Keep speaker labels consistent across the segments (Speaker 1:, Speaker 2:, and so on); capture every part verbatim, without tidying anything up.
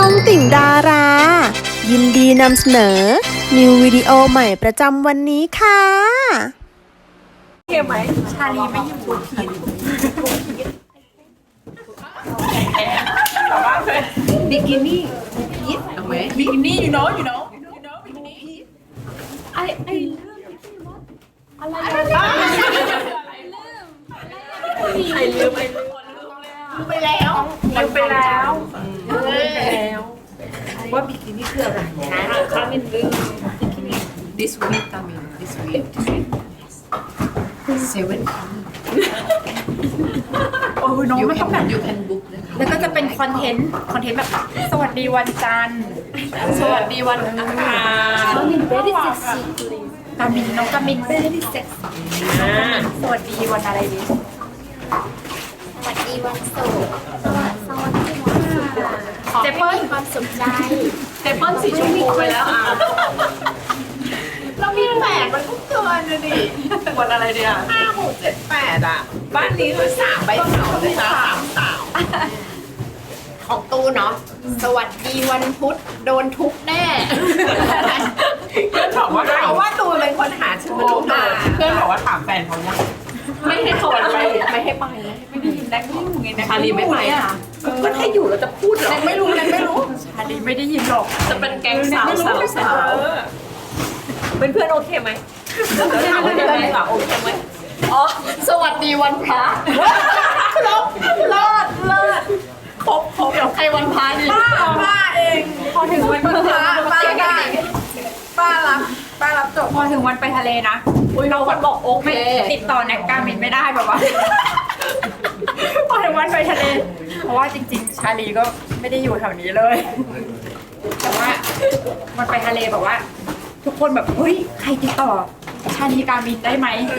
Speaker 1: องติ่งดารา ยินดีนำเสนอ นิววิดีโอใหม่ประจำวันนี้ค่ะ
Speaker 2: โอเคไหมชาลีไม่อยู่บนผิดบิกินี่พีทเอาไหมบิกินี่ you know you know you know บิกินี่พีทไอไออะไรอะไรไอลืมไอลืมลืมไปแล้วลืมไปแล้วลืมไปแล้วว่าบิกินี่คืออะไรนะคามินลืมบิกินี่ this week คามิน this week seven โอ้ยน้องมันต้องแบบ you can book แล้วก็จะเป็นคอนเทนต์คอนเทนต์แบบสวัสดีวันจันทร์สวัสดีวันอังคารกามิน very sexy กามินน้องกามิน very sexy สวัสดีวันอะไรดี
Speaker 3: สวัสดีวันศุกร์สวัสดีวันศุกร์ขอให้มีความสุขใจ
Speaker 2: เจเปิ้ลสีชมพูไปแล้วอ่ะเรามีแปดมันก็เกินเลยดิวันอะไรเดียวห้าหกเจ็ดแปดอ่ะบ้านนี้คือสามใบเสาเลยนะสามสาว
Speaker 3: ของตูเนาะสวัสดีวันพุธโดนทุบแน่
Speaker 2: เพื่อนบอกว่าเพราะว่าตูเป็นคนหาชื่อมา เพื่อนบอกว่าถามแฟนเขาเนี่ยไม่ให้เขาไปไม่ให้ไปไม่ได้ยินแดงไม่อยู่ไงนะชาลีไม่ไปอ่ะก็ถ้าอยู่เราจะพูดหรอไม่รู้เลยไม่รู้ชาลีไม่ได้ยินหรอกจะเป็นแก๊งสาวสาวสาวเป็นเพื่อนโอเคไหมถามว่าเป็นเพื่อนโอเคไหมอ๋อสวัสดีวันพระเลิศเลิศเลิศครบครบเดี๋ยวใครวันพระดิป้าป้าเองพอถึงวันพระป้าได้ป้ารับป้ารับจบพอถึงวันไปทะเลนะเราคนบอกโอเคติดต่อแนกการมินไม่ได้แบบว่าพอถึงวันไปทะเลเพราะว่าจริงๆชาลีก็ไม่ได้อยู่แถวนี้เลยแต่ว่ามันไปทะเลแบบว่าทุกคนแบบเฮ้ยใครติดต่อชาลีการมินได้ไหมนะ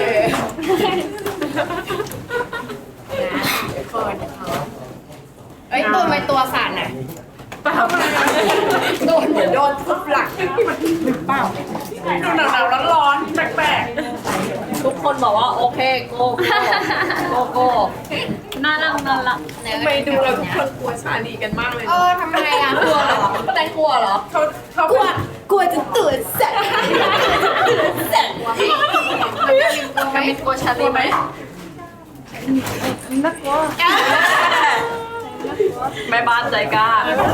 Speaker 2: เปิดเอ้ยตัวไปตัวสั่นน่ะเปล่าโดนเหมือนโดนทุบหลังหรือเปล่าดูหนาวๆร้อนๆแปลกๆทุกคนบอกว่าโอเคโกโกโกน่ารักน่ารักไปดูแล้วทุกคนกลัวชาลีกันมากเลยเออทำไมอ่ะกลัวเหรอแต่กลัวเหรอเขาเขากลัวกลัวจะตื่นแสบตื่นแสบมันมีกลัวชาลีไหมน่ากลัวแม่บ้านใจกล้า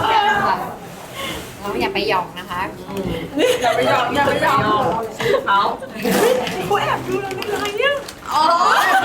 Speaker 3: เราอย่าไปหยองนะคะ
Speaker 2: อย่าไปยอมอย่าไปยอมเขาเขาแอบดูเราในไลน์เนี่ยอ๋อ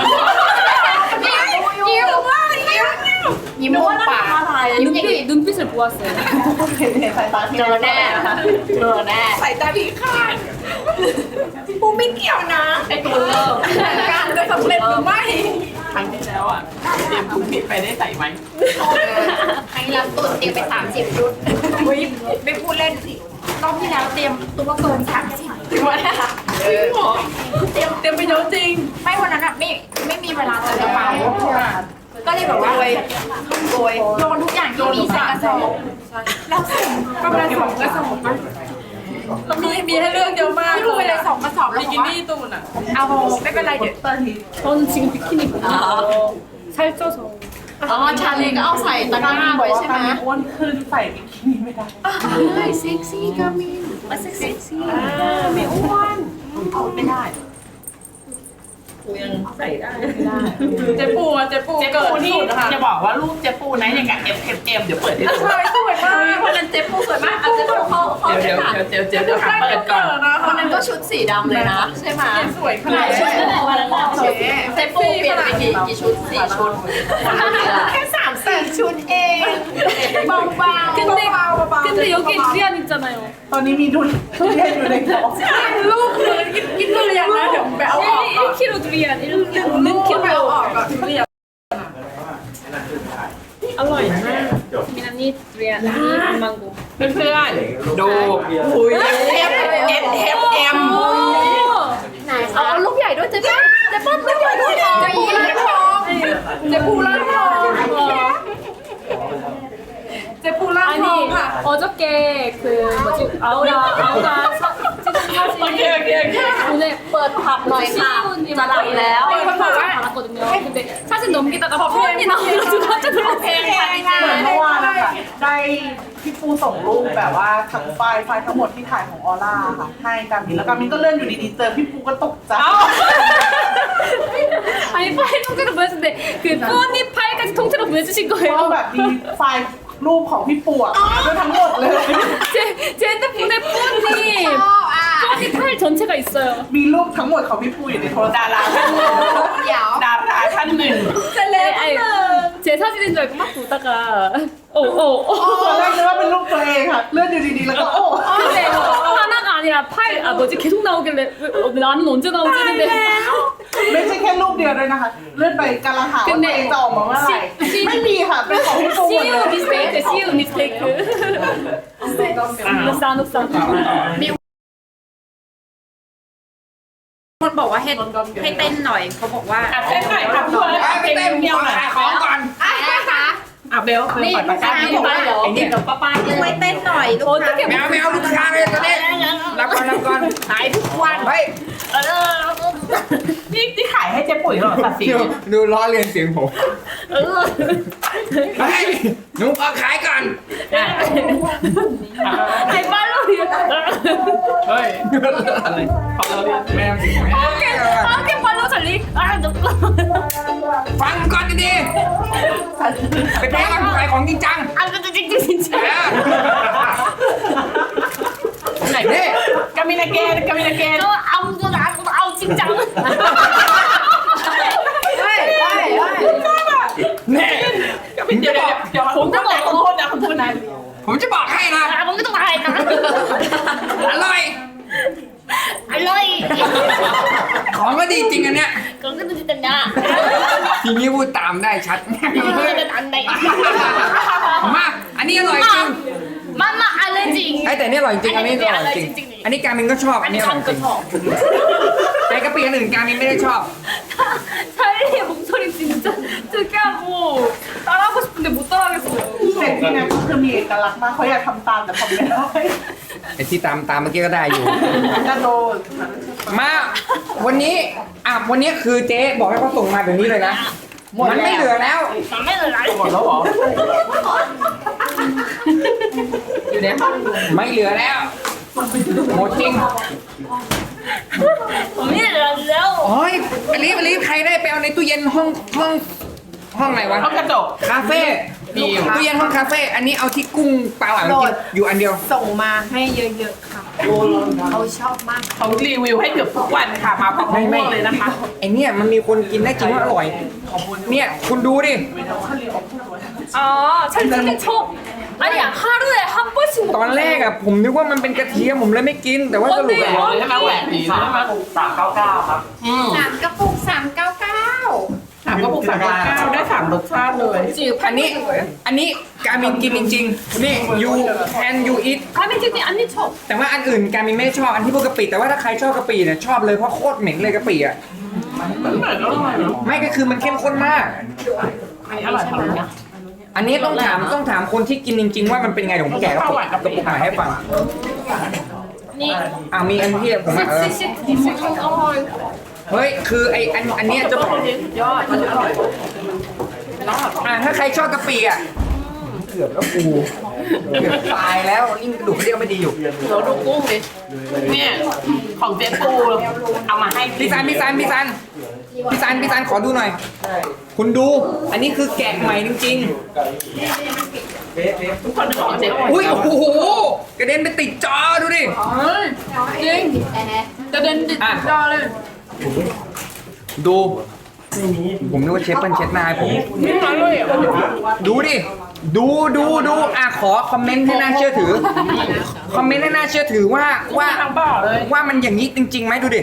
Speaker 2: ยิ้มยิ้มว่ายิ้มยิ้มมุมปากยิ้มอย่างนี้눈빛을보았어요เจอแน่เจอแน่สายตาพิฆาตปูไม่เกี่ยวนะไอ้ตัวเลิกการจะสำเร็จหรือไม่ครั้งที่แล้วอ่ะเตรียมถุงผิดไปได้ใส่ไหม
Speaker 3: ครั้งเราตุนเตรียมไปสามสิบชุด
Speaker 2: ไม่พูดเล่นสิรอบที่แล้วเตรียมตัวเกินสามสิบตัวนะคะจริงเหรอเตรียมเตรียมไปเยอะจริงไม่วันนั้นอ่ะไม่ไม่มีเวลาเจอกระเป๋าก็เลยแบบว่าโกยโยนทุกอย่างที่มีใส่กระสอบแล้วส่งก็มาสองกระสอบเรามีมีให้เลือกเยอะมากลูกไปเลยสองกระสอบแล้วบิกินี่ตูนอ่ะเอาไม่เป็นไรเดี๋ยวตอนนี้ตอนจริงบิกินี่ใช่เจ้าสองอ๋อชาลีก็เอาใส่ตะกร้าไว้ใช่ไหมอ้วนขึ้นใส่บิกินี่ไม่ได้ใช่เซ็กซี่กามินมาเซ็กซี่ไม่อ้วนเอาไม่ได้ปูยังใส่ได้ไม่ได้เจ๊ปูอ่ะเจ๊ปูเกิดนี่จะบอกว่ารูปเจ๊ปูนะอย่างกับ F F M เดี๋ยวเปิดให้ดูสวยสวยมากวันนั้นเจ๊ปูสวยมากเอาเจ๊ปูเขาเขาเดี๋ยวเดี๋ยวเดี๋ยวเดี๋ยวเปิดก่อนวันนั้นก็ชุดสีดำเลยนะใช่ไหมสวยขนาดชุดวันนั้นเจ๊ปูเปลี่ยนไปกี่กี่ชุดสี่ชุดแค่สามสี่ชุดเองเบาเบา근데근데여기두리안있잖아요ตอนนี้มีทุเรียนอยู่ในกล่องลูกเลยกินกินทุเรียนนะเดี๋ยวไปเอาออกก่อน일 킬로그램 두리안 일 킬로그램 일 킬로그램ไปเอาออกก่อนทุเรียนอร่อยมากมินานี่ทุเรียนนี่มังโกเพื่อนๆดูอุ้ยเอฟเอฟเอฟเอ็มไหนเอาลูกใหญ่ด้วยเจ๊ป้าเจ๊ป้าลูกใหญ่ด้วยเจ๊ปูร้านทองเจ๊ปูร้านทองเจ๊ปูร้านทองค่ะ어저께그뭐지아우라아우라찍은사진오늘
Speaker 3: เปิดผับหน่อยค่ะ
Speaker 2: จะหลับแล้วมีคนบอกว่า 근데 사진 넘기다가 표현이 나와가지고 깜짝 놀랐어요.
Speaker 4: เหมือนเมื่อวานนะคะได้พี่ปูส่งรูปแบบว่าทั้งไฟล์ไฟล์ทั้งหมดที่ถ่ายของออร่าค่ะให้การมินแล้วการมินก็เลื่อนอยู่ดีๆเจอพี่ปูก็ตกใจ
Speaker 2: 아니 파일 통째로 보여줬는데 그 뿌언니 파일까지 통째로 보여주신
Speaker 4: เพราะ
Speaker 2: 거예요.
Speaker 4: แบบมีไฟล์รูปของพี่ปูอะด้วยทั้งหมดเลย
Speaker 2: 제, 제 핸드폰에 뿌언니 뿌언니 파일 전체가 있어요.
Speaker 4: มีรูปทั้งหมดของพี่ปูอยู่ในโทรศัพท์ดารา
Speaker 3: เดี๋ยว
Speaker 4: ดาราท่านหนึ่ง
Speaker 2: 네, 아니, 제 사진인 줄 알고 막 보다가 오, 오, 오.
Speaker 4: ตอนแรกนึกว่าเป็นรูปตัวเองค่ะเลื่อนอยู่ดีๆแล้วก็โอ้
Speaker 2: 근데 하나가 아니라 파일 아 뭐지 계속 나오길래 왜, 어, 나는 언제 나오지 했는데
Speaker 4: ไม่ใช่แค่รูปเดียวด้วยนะคะเลื่อนไปกำลังหาว่าตัวเองจะออกมาเมื่อไหร่ไม่มีค่ะเป็นของพี่ปูหมดเลย
Speaker 2: See you mistake, see you mistake. 옥상 옥상.
Speaker 3: คนบอกว่าให้ให้เต้นหน่อยเขาบอกว่า
Speaker 4: เต้นหน่อยค่ะเพื่อนไปเต้นเดียวขายของก่อน
Speaker 3: อะไรคะ
Speaker 4: อ่ะเบลคือ
Speaker 2: นี่
Speaker 4: ปล่อย
Speaker 2: ลู
Speaker 4: ปาก ก
Speaker 2: ค้า
Speaker 4: กา
Speaker 2: บอกว่าไอ้เนี่ยป้าป้า
Speaker 3: ช่วยเต้นหน่อยลูกค้า
Speaker 5: แมวแมวลูกค้าเลยตอนนี้รับก่อนรับก่อน
Speaker 3: ขายทุกวัน
Speaker 5: เฮ้ย
Speaker 4: นี่ที่ขายให้เจ๊ปุ๋ยเหรอสัตว์สี
Speaker 5: ดูดูล้อเลียนเสียงผมเฮ้ยหนูเอาขายก่อน
Speaker 2: ไอ้ป้าลูก
Speaker 5: เฮ้ยอะไรแมวสิแมว
Speaker 2: โอเคป้าลูกฉันลีอ่ะจบ
Speaker 5: ฟังก่อนดีๆไปแพ้กันขายของจริงจัง
Speaker 2: อ่ะจริงจริงจริงจริง
Speaker 5: เออ
Speaker 4: ไหน
Speaker 5: นี่
Speaker 4: กามินาเกนกามินาเกน
Speaker 2: ก็เอาจนเอาเอาจริงจัง
Speaker 3: เฮ้ยเฮ้ยเฮ้ย
Speaker 5: นี่ผมจะบอก
Speaker 4: เดี๋ยวผมจะบอกขอโทษนะขอโทษนะ
Speaker 5: ผมจะบอกให้นะ
Speaker 2: อ่ะผมก็ต้องถ่ายนะ
Speaker 5: อร่อย
Speaker 2: อร่อย
Speaker 5: ของก็ดีจริงอันเนี้ย
Speaker 2: ก็ก็จะเป็นนะ
Speaker 5: ทีนี้พูดตามได้ชัด
Speaker 2: ก็จะเป็นอันไหน
Speaker 5: มาอันนี้อร่อยจริง
Speaker 2: มามาอะไรจริง
Speaker 5: ไอ้แต่นี่อร่อยจริงอันนี้อร่อยจริง
Speaker 2: จริงๆ
Speaker 5: อันนี้การมินก็ชอบอันนี้อร่อยจริงไอ้กะปิอันอื่นการมินไม่ได้ชอบ
Speaker 2: 찰리의 목소리 진짜 특이하고 따라하고 싶은데 못 따라하겠어요.
Speaker 4: เด็กที่นั่นก็คือมีเอกลักษณ์มากเขาอยากทำตามแต่ทำไม่ได้
Speaker 5: ไอ้ที่ตามตามเมื่อกี้ก็ได้อยู่
Speaker 4: กระโดด
Speaker 5: มาวันนี้อ่ะวันนี้คือเจ๊บอกให้เขาส่งมาแบบนี้เลยนะ มันไม่เหลือแล้ว
Speaker 2: 남매는 날
Speaker 4: หมดแล้วเหรอ
Speaker 5: อยู่เนี่ยไม่เหลือแล้วหมดจริง
Speaker 2: 언니는 날래요.
Speaker 5: โอ้ยอลีฟอลีฟใครได้ไปเอาในตู้เย็นห้องห้องห้องไหนวะ
Speaker 4: ห้องกระจก
Speaker 5: คาเฟ่ตู้เย็นห้องคาเฟ่อันนี้เอาที่กุ้งปลาหวานมากินอยู่อันเดียว
Speaker 3: ส่งมาให้เยอะๆค่ะเขาชอบมาก
Speaker 4: เขารีวิวให้เกือบทุกวันค่ะมาพร้อม
Speaker 5: ไม่ไม่
Speaker 4: ๆเลยนะคะ
Speaker 5: ไอเนี่ยมันมีคนกินได้จริงว่าอร่อย เนี่ยคุณดูดิ
Speaker 2: 아, 찰리는 저 아니야 하루에 한 번씩
Speaker 5: ตอนแรกอะผมนึกว่ามันเป็นกระเทียมผมเลยไม่กิน แต่ว่าสรุปอะ
Speaker 4: ใช่ไหมแหวกดีใช่ไหมสามเก้าเก้าครับ
Speaker 3: สามกระปุกสามเก้าเก้า
Speaker 4: สามกระปุกสามเก้าเก้าได้สามรสชาติเลย
Speaker 5: อันนี้อันนี้การมินกินจริงๆนี่ you and you eat
Speaker 2: 가면집이 언니 저
Speaker 5: แต่ว่าอันอื่นการมินไม่ชอบอันที่พวกกะปิแต่ว่าถ้าใครชอบกะปิเนี่ยชอบเลยเพราะโคตรเหม็นเลยกะปิอะไม่ก็คือมันเข้มข้นมาก
Speaker 4: อันนี้อร่อยทั้งนั้น
Speaker 5: อันนี้ต้องถามต้องถามคนที่กินจริง ๆ ว่ามันเป็นไงเดี๋ยวผมแกะกระปุกกระปุกมาให้ฟัง
Speaker 2: 니
Speaker 5: อ่ามีอันที่ผมอ่ะเออ
Speaker 2: 시시 어머니
Speaker 5: เฮ้ยคือไออันอันเนี้ยจะบอก
Speaker 4: ยอดมันอร่อย
Speaker 5: อ่ะถ้าใครชอบกะปิอ่ะเกือบแล้วกูเกือบตายแล้วยิ่งกระดูกกระเดี่ยวไม่ดีอยู่
Speaker 4: เราดูกุ้งดิเนี่ยของเจ๊ปูเอามาให้
Speaker 5: พี่ซันพี่ซันพี่ซันพี่ซันพี่ซันขอดูหน่อย คุณดู อันนี้คือแกะใหม่จริง
Speaker 4: ทุกคนของเจ๊ปู
Speaker 5: ๆอุ้ยโอ้โหกระเด็นไปติดจอดูดิ
Speaker 2: 저는
Speaker 5: 아.
Speaker 2: 나를
Speaker 5: ดู ผมนึกว่าเชฟเปิ้ลเช็ดหน้าให้ผม
Speaker 4: ไม่มาเลยอ่ะ
Speaker 5: ดูดิ ดูดูดูอ่ะขอคอมเมนต์ให้น่าเชื่อถือ คอมเมนต์ให้น่าเชื่อถือว่าว่า
Speaker 4: ทางบ่อเลย
Speaker 5: ว่ามันอย่างนี้จริงๆไหมดูดิ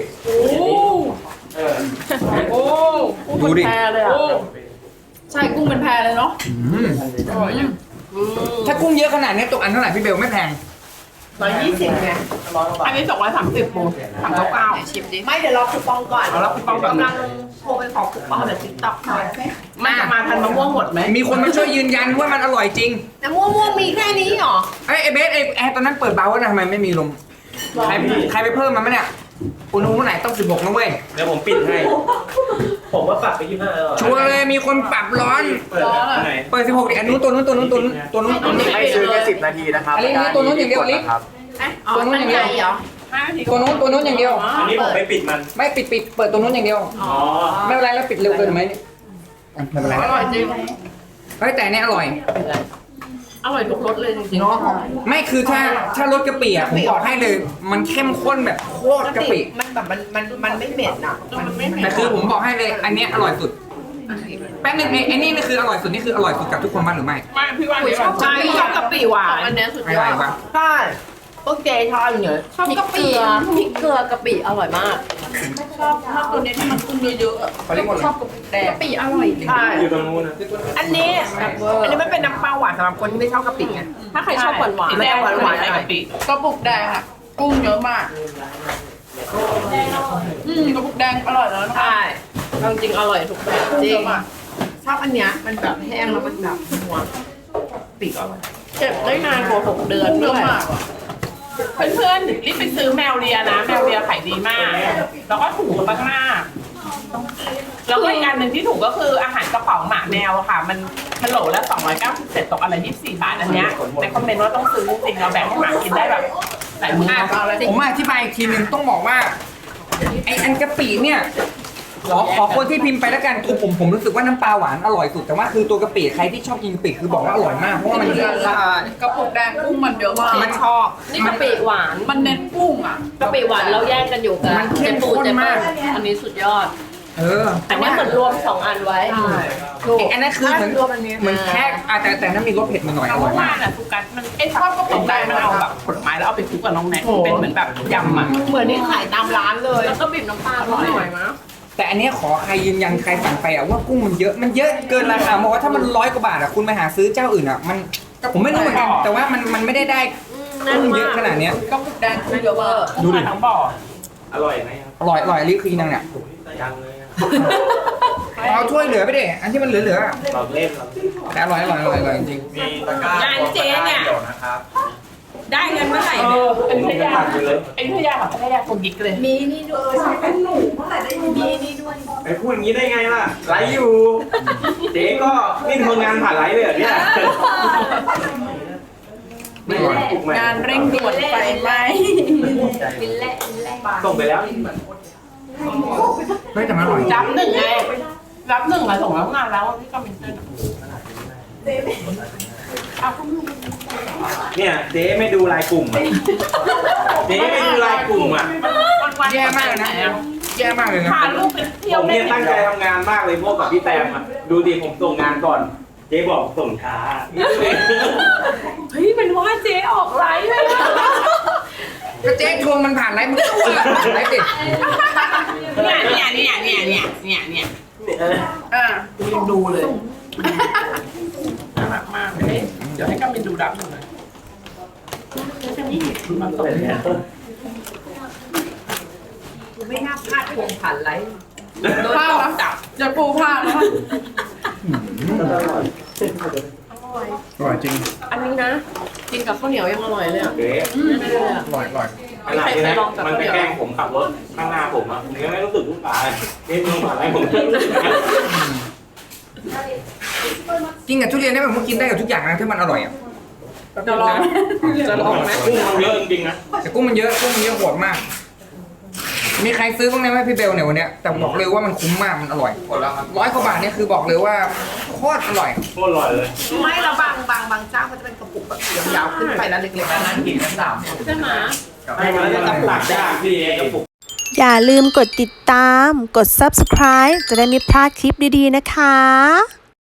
Speaker 4: โอ้
Speaker 5: ดูดิ
Speaker 4: แพรเลยอ่ะ
Speaker 2: ใช่กุ้งเป็นแพรเลยเนาะ
Speaker 5: อืมถ้ากุ้งเยอะขนาดนี้ตกอันเท่าไหร่พี่เบลไม่แพง
Speaker 4: ร้อยยี่สิบไงอันนี้สองร้อยสามสิบปูสามเก้าเก้า
Speaker 3: ชิมดิไม่เดี๋ยวรอคูปองก่อน
Speaker 4: เอาแล้วคูปองก่อน
Speaker 3: กำลังโทรไปขอคูปองเดี๋ยวติ๊กต็อกหน่อย
Speaker 4: มันจะมาทันมะม่วงหมดไหม
Speaker 5: มีคนมาช่วยยืนยันว่ามันอร่อยจริง
Speaker 3: น้ำม่วงม่วงมีแค่นี้เหรอ
Speaker 5: ไอ้ไอ้เบสไอ้แอร์ตอนนั้นเปิดเบาแล้วนะทำไมไม่มีลม ใครใครไปเพิ่มมันไหมเนี่ยอุณหภูมิเท่าไหร่ต้องสิบหกนะเว้ย
Speaker 6: เดี๋ยวผมปิดให้ ผมว่าปรับไปยี่สิบห้าแล้ว
Speaker 5: ชัวร์เลยมีคนปรับร้อน
Speaker 6: เปิดอันไหน
Speaker 5: เปิดสิบหกดิอันนู้นตัวนู้นตัวนู้นตัวนู้นตัวนู้นตัวนู้น
Speaker 7: ให้ซื้อแค่สิบนาทีนะครับ
Speaker 5: อันนี้ตัวนู้นอย่างเดียวลิ
Speaker 7: ครับ
Speaker 3: อ๋อตั้งใจเหรอ
Speaker 5: ตัวนู้นตัวนู้นอย่างเดียว
Speaker 6: อันนี้ผมไปปิดมัน
Speaker 5: ไม่ปิดปิดเปิดตัวนู้นอย่างเดียว
Speaker 6: อ๋อ
Speaker 5: ไม่เป็นไรแล้วปิดเร็วเกินไหมเนี่ยอ่ะไม่เป็นไร
Speaker 2: อร่อยจริง
Speaker 5: เฮ้ยแต่อันเนี่ยอร่อย
Speaker 2: อร่อยทุกรสเลยจริง
Speaker 5: เนาะไม่คือถ้าถ้ารสกะปิอ่ะผมบอกให้เลย มันเข้มข้นแบบโคตรกะปิ
Speaker 4: มันแบบมันมันมันไม่เหม็นอ่ะมันไม่เหม็น
Speaker 5: แต่คือผมบอกให้เลย อันเนี้ยอร่อยสุดแป๊บนึงไอ้ไอ้นี่นี่คืออร่อยสุดนี่คืออร่อยสุดกับทุกคนมั้ยหรือไม่
Speaker 4: ไม่พี่ว่าเนี่ย
Speaker 2: ๆใช่ชอบกะปิหวานอันเนี้ยสุด
Speaker 5: ไม่
Speaker 2: ย
Speaker 5: ไร
Speaker 2: อด
Speaker 5: ปะ
Speaker 4: ใช่พวกเจชอบอย่างเงี้ย
Speaker 2: ชอบกะปิพริกเกลือกะปิอร่อยมาก ชอบชอบตัวนี้ที่มันกุ้งเยอะๆ
Speaker 5: เขาเรียกว่าอะไร
Speaker 2: ชอบกะปิแดงกะปิอร่อยจริง
Speaker 4: ใช่
Speaker 6: อยู่ตรงนู้นนะ
Speaker 4: อันนี้อันนี้ไม่เป็นน้ำปลาหวานสำหรับคนที่ไม่ชอบกะปิไง
Speaker 2: ถ้าใครชอบหวานหวาน
Speaker 4: แดงหวานหวานกะปิ
Speaker 2: กระปุกแดงอ่ะกุ้งเยอะมากอืมกระปุกแดงอร่อยแล้วนะคะใช่จริงๆอร่อยทุกแบบจริง
Speaker 4: ชอบอันเนี้ยมันแบบแห้งแล้วมันแบบนัวปีกอร่อย
Speaker 2: เก็บได้นานกว่าหกเดือนด้วย
Speaker 8: เพื่อนๆรีบไปซื้อแมวเลียนะ แมวเลียขายดีมาก แล้วก็ถูกมากๆแล้วก็อีกอันหนึ่งที่ถูกก็คืออาหารกระป๋องหมาแมวอะค่ะ มันมันโหลละสองร้อยเก้าสิบเจ็ดตกอะไรยี่สิบสี่บาทอันเนี้ยในคอมเมนต์ว่าต้องซื้อจริงๆเราแบ่งให้หมากินได้แบบหลายมื้อ
Speaker 5: อ่ะผมมาอธิบายอีกทีหนึ่งต้องบอกว่าไออันกะปิเนี่ยขอขอคนที่พิมพ์ไปแล้วกันคือผมผมรู้สึกว่าน้ำปลาหวานอร่อยสุดแต่ว่าคือตัวกะปิใครที่ชอบกินกะปิคือบอกว่าอร่อยมากเพราะว่ามันเยอะ
Speaker 2: กระปุกแดงกุ้งมันเยอะมาก
Speaker 5: มันชอบ
Speaker 3: นี่กะปิหวาน
Speaker 2: มันเน้นกุ้งอ่ะ
Speaker 3: กะปิหวานเราแยกกันอยู่กัน
Speaker 5: มันเข้มข้นมาก
Speaker 3: อันนี้สุดยอด
Speaker 5: เออ
Speaker 3: อันนี้เหมือนรวมสองอันไว้
Speaker 5: ไอ้อันนั้นคือเหมือนเหมือนแค่อ่ะแต่แต่นั้นมีรสเผ็ดมาหน่อยอ
Speaker 8: เอา
Speaker 5: ร่อย
Speaker 8: ว่าม
Speaker 5: าก
Speaker 8: น่ะทุกกันมันไอ้ชอบกระป๋องแดงมันเอาแบบผลไม้แล้วเอาไปคลุกกับน้องแน็กเป็นเหมือนแบบยำอ่ะ
Speaker 2: เหมือนที่ขายตามร้านเลย
Speaker 3: แล้วก็บีบน้ำปลาอร่อยมาก
Speaker 5: แต่อันเนี้ยขอใครยืนยันใครสั่งไปอ่ะว่ากุ้งมันเยอะมันเยอะเกินราคาบอกว่าถ้ามันร้อยกว่าบาทอ่ะคุณไปหาซื้อเจ้าอื่นอ่ะมันผมไม่รู้เหมือนกันแต่ว่ามันมันไม่ได้ได้กุ้งเยอะขนาดเนี้ย
Speaker 2: กระปุกแดงกุ้งเยอะมาก
Speaker 5: ดูดิ
Speaker 8: ทั้งบ่อ
Speaker 6: อร่อยไหมครับ
Speaker 5: อร่อยอร่อยรีบคืนยังเนี่ย
Speaker 6: ยังเลยอะ
Speaker 5: เอาถ้วยเหลือไปดิอันที่มันเหลือเหลือๆอะ
Speaker 6: เราเล่นเรา
Speaker 5: แต่อร่อยอร่อยอร่อยอร่อยจริง
Speaker 7: มีตะกร้าง
Speaker 8: านเจ๊เนี่ย
Speaker 7: เดี๋ยวนะครับ
Speaker 8: ได้เงินเมื่อไหร่
Speaker 6: เอ
Speaker 8: เนี่ย
Speaker 6: อเป็นพยาเลย
Speaker 8: ไอ้พยาแบบพยาคนยิกเลย
Speaker 3: มีนี่ด้วยมีนี่ด้วย
Speaker 6: ไอ้พูดอย่างนี้ได้ไงล่ะไลฟ์อยู่ เจ๊ก็นี่ทำงานผ่านไลฟ์เลยเหรอเนี่ยไม่ไหวปลุกใหม่
Speaker 2: งานเร่งด่วนไฟไหม
Speaker 3: วินแล่วินแล่
Speaker 6: ส่งไปแล้ว
Speaker 5: เฮ้ยแต่มันอร่อย
Speaker 8: รับหนึ่งไงรับหนึ่งอะส่งแล้วงานแล้วพี่ก็มินเตอร์เอาคุณ
Speaker 6: เนี่ยเจ๊ไม่ดูรายกลุ่มอะเจ๊ไม่ดูรายกลุ่มอ่ะ
Speaker 8: วันวัน
Speaker 5: แย่มากเลยนะแย่มากเลยนะ
Speaker 8: พาลูกไปเที่ย
Speaker 6: ผ
Speaker 8: ว
Speaker 6: ม
Speaker 8: เล่
Speaker 6: เนี่ย
Speaker 8: น
Speaker 6: ตั้งใจทำงานมากเลยโมกับพี่แตมอ่ะดูดิผมส่งงานก่อน เจ๊บอกส่งช้า
Speaker 8: เฮ้ยมันว่าเจ๊ออกไลฟ์เลย
Speaker 5: ก็เจ๊ทวงมันผ่านไลฟ์มันก็อ้วนละผ่านไลฟ์ดิ
Speaker 8: เนี่ยเนี่ยเนี่ยเนี่ยเนี่ยเนี่ยเนี่ย
Speaker 2: อ่ะ
Speaker 8: กูยังดูเลยน่ารักมากเลยเดี๋ยวให้กัมมินดูรับหน่อยมันส่งเนี่ย
Speaker 4: ไม่น่าพลาดพวงผ่านไลฟ์
Speaker 8: โดนตบจับ
Speaker 2: อย่าปูพลาดนะ
Speaker 5: อร่อยจริง
Speaker 3: อันนี้นะ กินกับข้าวเหนียวยังอร่อยเลยอ่ะ
Speaker 6: เจ๊
Speaker 5: อร่อยอร่อย
Speaker 6: ขนาดนี้นะมันไปแกล้งผมขับรถข้างหน้าผมอ่ะผมยังไม่รู้สึกลูกตานี่มึงผ่านอะไรผมไม่รู้สึกนะ
Speaker 5: กินกับทุเรียนได้แบบมันกินได้กับทุกอย่างนะถ้ามันอร่อยอ่ะ
Speaker 2: จะลองจะลองไหม
Speaker 6: กุ้งมันเยอะจริงๆนะ
Speaker 5: แต่กุ้งมันเยอะกุ้งมันเยอะโหดมาก มีใครซื้อบ้างไหมไหมพี่เบลเนี่ยวันเนี้ยแต่บอกเลยว่ามันคุ้มมากมันอร่อยร้อยกว่าบาทเนี่ยคือบอกเลยว่าโคตรอร่อย
Speaker 6: โคตรอร่อยเลย
Speaker 4: ไม่เราบางบางบางเจ้าเขาจะเป็นกระปุกแบบยาวๆขึ้นไปแล้วเล็กๆแล้วนั่นกินกันสามคน
Speaker 3: ใช่ไหม
Speaker 6: ให้มันจะตักได้พี่กระปุก
Speaker 1: อย่าลืมกดติดตาม กด ซับสไครบ์ จะได้ไม่พลาดคลิปดีๆนะคะ